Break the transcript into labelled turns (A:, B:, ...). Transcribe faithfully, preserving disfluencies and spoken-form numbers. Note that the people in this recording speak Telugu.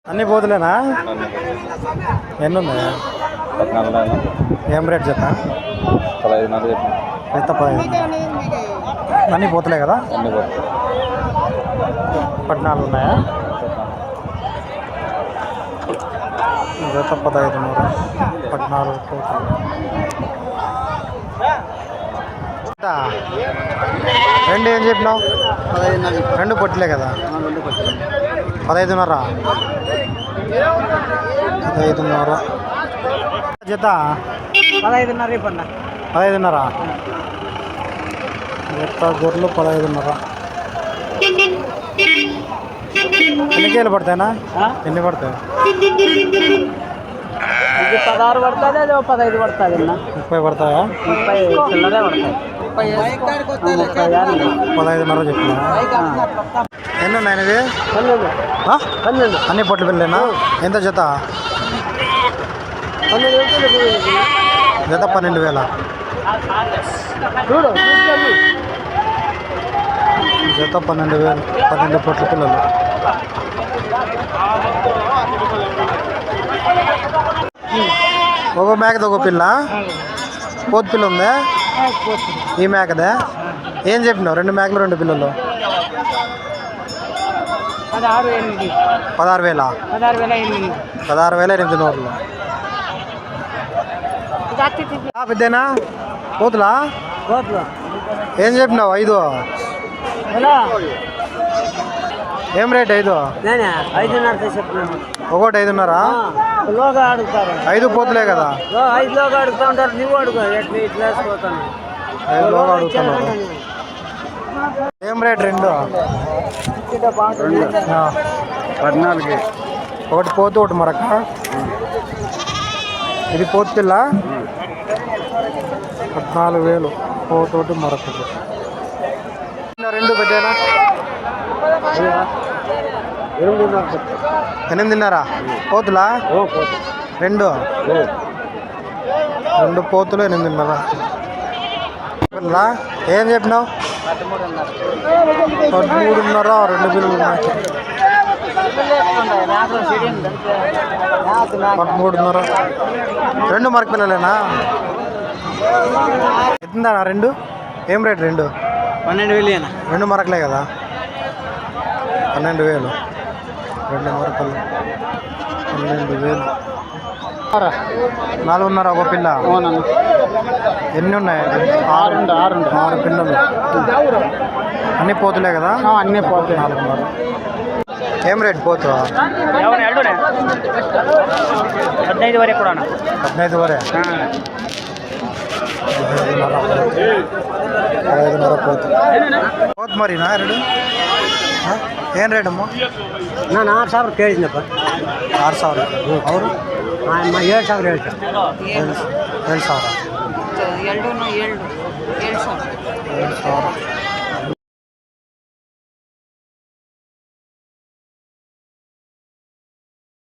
A: అన్ని పోతులేనా? ఎన్ని ఉన్నాయా? ఏం రేట్ చెప్పా?
B: పదహైదున్నర చెప్పిన.
A: ఎంత పదహైదు? అన్నీ పోతులే కదా?
B: అన్ని పోతుంది.
A: పద్నాలుగు ఉన్నాయా? జత పదహైదున్నర, పద్నాలుగు పోతుంది. రెండు ఏం చెప్పినావు?
B: పదహైదున్నర.
A: రెండు పొట్టిలే కదా?
B: రెండు పట్టిన.
A: పదహైదున్నర. పదహైదున్నర జత
B: పదహైదున్నర ఇవ్వండి.
A: పదహైదున్నర జత గొర్రెలు పదహైదున్నర. ఎన్ని కేలు పడతాయినా? ఎన్ని పడతాయి?
B: ఇది పదహారు పడుతుంది, అది పదహైదు పడుతుంది అన్న.
A: ముప్పై పడతాయా?
B: ముప్పై చిల్లరే పడతాయి.
A: పదహైదున్నర చెప్పిన. ఎన్ని ఉన్నాయి ఇవి?
B: పన్నెండు. పన్నెండు
A: అన్ని పొట్ల పిల్లలేనా? ఎంత జత? జత పన్నెండు వేల.
B: చూడు
A: జత పన్నెండు వేలు, పన్నెండు పొట్ల పిల్లలు. ఒక మేకది ఒక పిల్ల, పోతు పిల్ల ఉందా? ఈ మేకదే ఏం చెప్పినావు? రెండు మేకలు రెండు పిల్లలు
B: పదహారు ఎనిమిది.
A: పదహారు వేల
B: పదహారు వేల ఎనిమిది.
A: పదహారు వేల ఎనిమిది నూరులు. పెద్దనా పోతులా? ఏం చెప్పినావు? ఐదు. ఏం రేట్ ఐదు?
B: ఐదున్నర చెప్పినాను.
A: ఒకటి ఐదున్నర.
B: లోగా అడుగుతారు.
A: ఐదు పోతులే కదా?
B: ఐదు లోగా అడుగుతా ఉంటారు. నువ్వు అడుగు ఎట్లా ఇట్లా వేసిపోతాను.
A: ఐదు లోగా అడుగుతున్నావు. ఏం రేట్? రెండు.
B: పద్నాలుగు.
A: ఒకటి పోతు ఒకటి మరక. ఇది పోతు పిల్ల. పద్నాలుగు వేలు పోతోటి మరొకటి. రెండు పెద్దనా? ఎనిమిదిన్నర పోతులా? రెండు. రెండు పోతులు ఎనిమిదిన్నర. ఏం చెప్పినావు? పదమూడున్నర. రెండు పిల్లలు ఉన్నాయి. పదమూడున్నర. రెండు మరక పిల్లలేనా? ఎంతుందా రెండు? ఏం రేట్ రెండు?
B: పన్నెండు వేలు.
A: రెండు మరకలే కదా? పన్నెండు వేలు. రెండు మరకలు పన్నెండు వేలు. నాలుగున్నర ఒక పిల్ల. ఎన్ని ఉన్నాయి?
B: ఆరు. ఆరు
A: ఆరు పిల్లలు. అన్నీ పోతులే కదా?
B: అన్నీ పోతాయి.
A: నాలుగున్నర. ఏం రేట్ పోతు?
B: పద్దెనిమిది వరకు కూడా.
A: పద్దెనిమిది వరే. పదహైదున్నర పోతు. పోతు మరి నా రెండు ఏం ರೇಟ್ ಅಮ್ಮ?
B: ನಾನು ಆರು ಸಾವಿರ ಕೇಳಿದ್ನಪ್ಪ.
A: ಆರು ಸಾವಿರ ಅವರು
B: ಏಳು ಸಾವಿರ ಹೇಳ್ತಾರೆ.
A: ಏಳು ಏಳು ಸಾವಿರ
C: ಎರಡು ಏಳು ಏಳು ಸಾವಿರ
A: ಏಳು ಸಾವಿರ